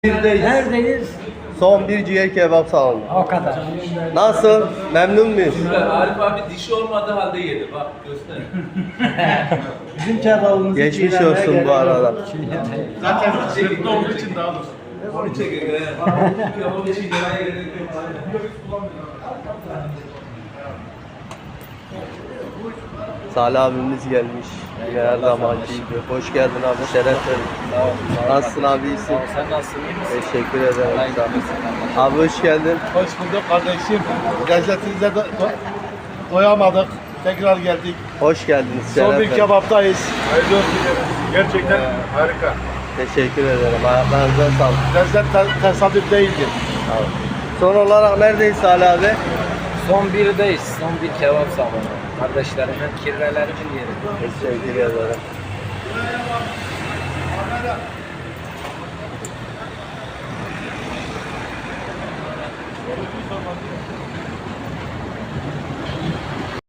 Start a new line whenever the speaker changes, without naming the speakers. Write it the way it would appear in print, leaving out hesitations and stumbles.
Birdeyiz.
Neredeyiz?
Son bir ciğer kebap salonu.
O kadar.
Nasıl? Memnun muyuz?
Arif abi dişi olmadığı halde yedi. Bak göster.
Bizim kebabımızı
Geçmiş olsun bu arada.
Zaten sırtlı olduğu için daha doğrusu. Onu çekin. Kebabı için gerek yok.
Salih abimiz gelmiş. Yine her zamanki gibi. Hoş geldin abi. Şeref verdin. Nasılsın abi? İyisin?
Sen nasılsın? İyi misin?
Teşekkür ederim. Sağ ol. Abi hoş geldin.
Hoş bulduk kardeşim. Lezzetinize doyamadık. Tekrar geldik.
Hoş geldiniz.
Son
Şeref
bir
verdin.
kebaptayız.
Hayırlı olsun. Gerçekten harika.
Teşekkür ederim. Ayaklarınıza sağlık.
Lezzet tesadüf değildir.
Sağ ol. Son olarak neredeyiz Salih abi?
Son birdeyiz. Son bir kebap salonu. Kardeşlerimin kirvelerimin yeri.
Teşekkür ederim.